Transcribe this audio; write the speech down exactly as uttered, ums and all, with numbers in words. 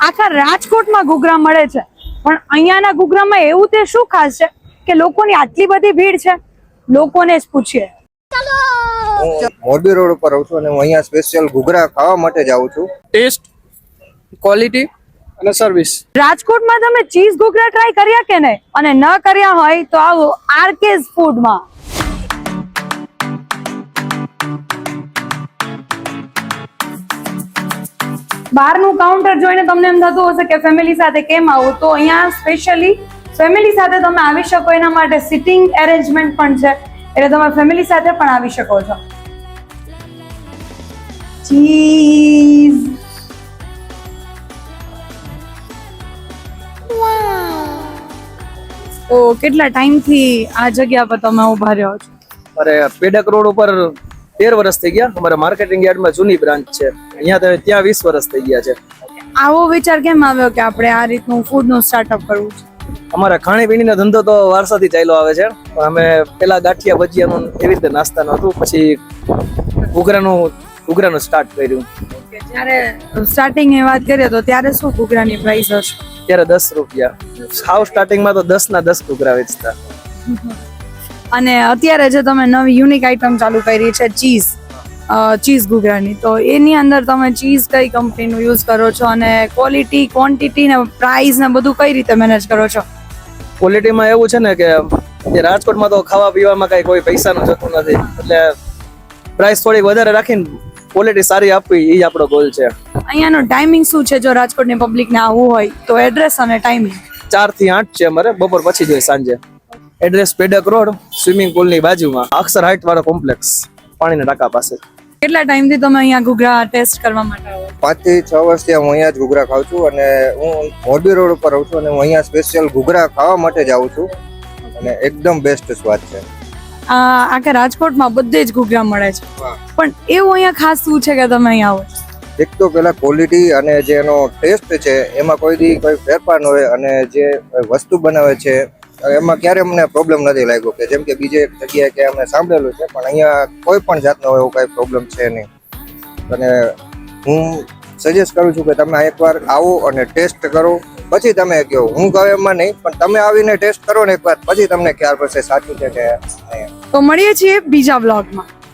આખા રાજકોટમાં ઘૂઘરા મળે છે, પણ અહીંયાના ઘૂઘરામાં એવું તે શું ખાસ છે કે લોકોની આટલી બધી ભીડ છે? લોકોને જ પૂછીએ. હું મોરબી રોડ ઉપર રહું છું અને હું અહીંયા સ્પેશિયલ ઘૂઘરા ખાવા માટે જ આવું છું. ટેસ્ટ, ક્વોલિટી અને સર્વિસ. રાજકોટમાં તમે ચીઝ ઘૂઘરા ટ્રાય કર્યા કે નહીં? અને ન કર્યા હોય તો આવો આરકેઝ ફૂડમાં. બહારનું કાઉન્ટર જોઈને તમને એમ થતું હશે કે ફેમિલી સાથે કેમ આવું, તો અહીંયા સ્પેશિયલી ફેમિલી સાથે તમે આવી શકો એના માટે સિટિંગ એરેન્જમેન્ટ પણ છે, એટલે તમે ફેમિલી સાથે પણ આવી શકો છો. ચીઝ, તો કેટલા ટાઈમથી આ જગ્યા પર તમે ઉભા રહ્યો છો? અરે પેડક રોડ ઉપર તેર વર્ષ થઈ ગયા. અમારા માર્કેટિંગ યાર્ડમાં જૂની બ્રાન્ચ છે, અહીંયા તો ત્યાં વીસ વર્ષ થઈ ગયા છે. આવો વિચાર કેમ આવ્યો કે આપણે આ રીતનું ફૂડનું સ્ટાર્ટઅપ કરવું છે? અમારા ખાણીપીણીનો ધંધો તો વારસાથી ચાલ્યો આવે છે, પણ અમે પેલા ગાંઠિયા ભજીયાનું એવી રીતે નાસ્તાનું હતું, પછી ઘૂઘરાનું ઘૂઘરાનું સ્ટાર્ટ કર્યું. જ્યારે સ્ટાર્ટિંગ ની વાત કરીએ તો ત્યારે શું ઘૂઘરાની પ્રાઇસ હશે? ત્યારે દસ રૂપિયા. હાવ સ્ટાર્ટિંગમાં તો દસ ના દસ ઘૂઘરા વેચતા. અને અત્યારે જે તમે નવી યુનિક આઈટમ ચાલુ કરી છે ચીઝ ચીઝ ઘૂઘરાની, તો એની અંદર તમે ચીઝ કઈ કંપનીનું યુઝ કરો છો અને ક્વોલિટી, ક્વોન્ટિટી ને પ્રાઇસ ને બધું કઈ રીતે મેનેજ કરો છો? ક્વોલિટીમાં એવું છે ને કે જે રાજકોટમાં તો ખાવા પીવામાં કઈ કોઈ પૈસાનું જતું નથી, એટલે પ્રાઇસ થોડીક વધારે રાખીને ક્વોલિટી સારી આપવી એ આપણો ગોલ છે. અહીંયાનો ટાઈમિંગ શું છે જો રાજકોટની પબ્લિકને આવવું હોય તો? એડ્રેસ અને ટાઈમિંગ? ચાર થી આઠ છે અમારે, બપોર પછી જોઈએ સાંજે. Address Pedak road, swimming pool ની બાજુમાં, અક્ષર હાઇટ વાળો કોમ્પ્લેક્સ, પાણીના ટાંકા પાસે. કેટલા ટાઈમથી તમે અહીંયા ઘૂઘરા ટેસ્ટ કરવા માટે આવો? પાંચ થી છ વર્ષથી હું અહીંયા જ ઘૂઘરા ખાઉં છું અને હું મોરબી રોડ ઉપર રહું છું અને હું અહીંયા સ્પેશિયલ ઘૂઘરા ખાવા માટે જ આવું છું અને એકદમ બેસ્ટ સ્વાદ છે. આ આખા રાજકોટમાં બધે જ ઘૂઘરા મળે છે, પણ એવું અહીંયા ખાસ શું છે કે તમે અહીંયા આવો? એક તો પેલા ક્વોલિટી અને જે એનો ટેસ્ટ છે એમાં કોઈ દી કોઈ ફેરફાર ન હોય, અને જે વસ્તુ બનાવે છે એમાં ક્યારે અમને પ્રોબ્લેમ નથી લાગ્યો કે જેમ કે બીજે એક જગ્યાએ કે અમે સાંભળેલું છે, પણ અહીંયા કોઈ પણ જાતનો એવો કઈ પ્રોબ્લેમ છે નહીં. અને હું સજેસ્ટ કરું છું કે તમે એકવાર આવો અને ટેસ્ટ કરો, પછી તમે કહો. હું કહું એમાં નહીં, પણ તમે આવીને ટેસ્ટ કરો ને એકવાર, પછી તમને ખ્યાલ પડશે સાચું છે કે નહીં. તો મળીએ છીએ બીજા બ્લોગમાં.